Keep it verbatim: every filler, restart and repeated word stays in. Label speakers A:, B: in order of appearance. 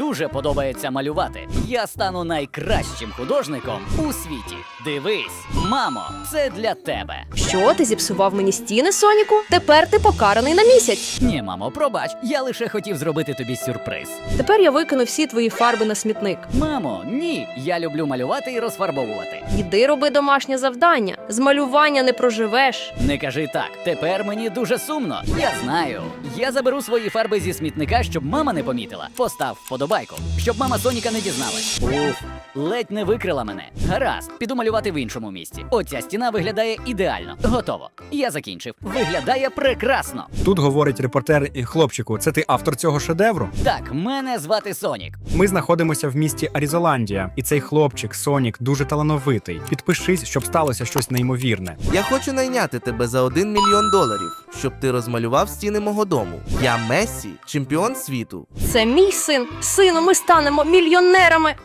A: дуже подобається малювати. Я стану найкращим художником у світі. Дивись, мамо, це для тебе.
B: Що, ти зіпсував мені стіни, Соніку? Тепер ти покараний на місяць.
A: Ні, мамо, пробач, я лише хотів зробити тобі сюрприз.
B: Тепер я викину всі твої фарби на смітник.
A: Мамо, ні, я люблю малювати і розфарбовувати.
B: Іди роби домашнє завдання. З малювання не проживеш.
A: Не кажи так, тепер мені дуже сумно. Я знаю. Я заберу свої фарби зі смітника, щоб мама не помітила. Постав вподобайку, щоб мама Соніка не дізналась. Уф, ледь не викрила мене. Гаразд, піду малювати в іншому місці. Оця стіна виглядає ідеально. Готово. Я закінчив. Виглядає прекрасно.
C: Тут говорить репортер і хлопчику, це ти автор цього шедевру?
A: Так, мене звати Сонік.
C: Ми знаходимося в місті Арізоландія, і цей хлопчик, Сонік, дуже талановитий. Підпишись, щоб сталося щось неймовірне.
D: Я хочу найняти тебе за один мільйон доларів, щоб ти розмалював стіни мого дому. Я Мессі, чемпіон світу.
B: Це мій син. Сину, ми станемо мільйонерами.